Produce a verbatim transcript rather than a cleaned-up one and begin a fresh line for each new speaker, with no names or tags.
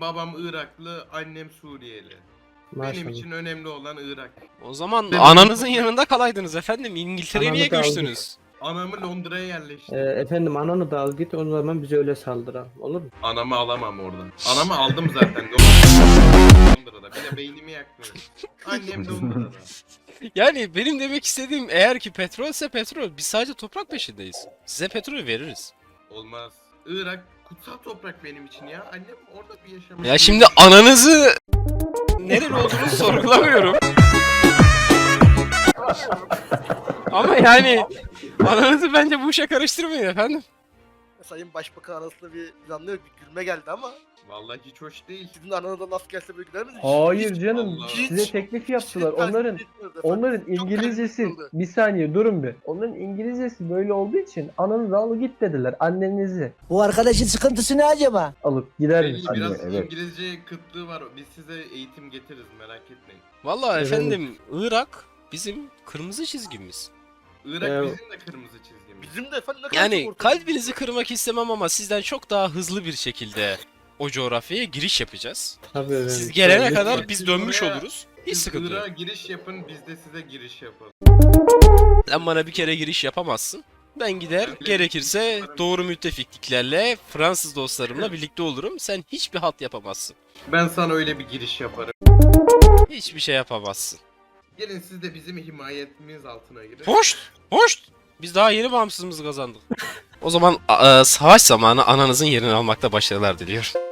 babam Iraklı, annem Suriyeli.
Maşallah.
Benim için önemli olan Irak.
O zaman
Ben-
ananızın yanında kalaydınız efendim. İngiltere'ye
Anamı
niye
da aldık.
göçtünüz?
Anamı Londra'ya yerleştirdim.
Ee, efendim ananı da al git o zaman bize öyle saldıran. Olur mu?
Anamı alamam oradan. Anamı aldım zaten. Londra'da. Bir de beynimi yakmıyor. Annem Londra'da.
Yani benim demek istediğim eğer ki petrolse petrol. Biz sadece toprak peşindeyiz. Size petrol veririz.
Olmaz. Irak kutsal toprak benim için ya. Annem orada bir yaşamış.
Ya şimdi ananızı nereli olduğunu sorgulamıyorum. Ama yani ananızı bence bu işe karıştırmayın efendim.
Sayın Başbakan arasında bir planlı bir gülme geldi ama
Vallahi hiç hoş değil.
sizin aranızda laf gelse böyle güler misiniz?
Hayır
Hiç-
canım
Allah.
size
Hiç-
teklif
hiç
yaptılar.
de tercih
Onların
etmiyoruz efendim.
onların
Çok
İngilizcesi
kalbimiz kırıldı.
bir saniye durun bir. Onların İngilizcesi böyle olduğu için ananızı al git dediler. Annenizi
Bu arkadaşın sıkıntısı ne acaba?
alıp gider
Belli
misin?
biraz
evet.
İngilizce kıtlığı var. Biz size eğitim getiririz merak etmeyin.
Vallahi
Evet.
efendim Irak bizim kırmızı çizgimiz.
Irak
Ee,
bizim de kırmızı çizgimiz.
Bizim de efendim ne kadar
Yani
çok ortak-
kalbinizi kırmak istemem ama sizden çok daha hızlı bir şekilde o coğrafyaya giriş yapacağız.
Tabii efendim.
Siz gelene
Lütfen.
kadar biz dönmüş
Oraya-
oluruz. Hiç
Siz
sıkıntı yok.
Irak'a giriş yapın, biz de size giriş yapalım.
Sen bana bir kere giriş yapamazsın. Ben gider
Ben-
gerekirse doğru müttefikliklerle Fransız dostlarımla birlikte olurum. Sen hiçbir halt yapamazsın.
Ben sana öyle bir giriş yaparım.
Hiçbir şey yapamazsın.
Gelin siz de bizim himayetimiz altına girin.
Hoş! Hoş! Biz daha yeni bağımsızlığımızı kazandık. O zaman a- a- savaş zamanı ananızın yerini almakta başarılar diliyorum.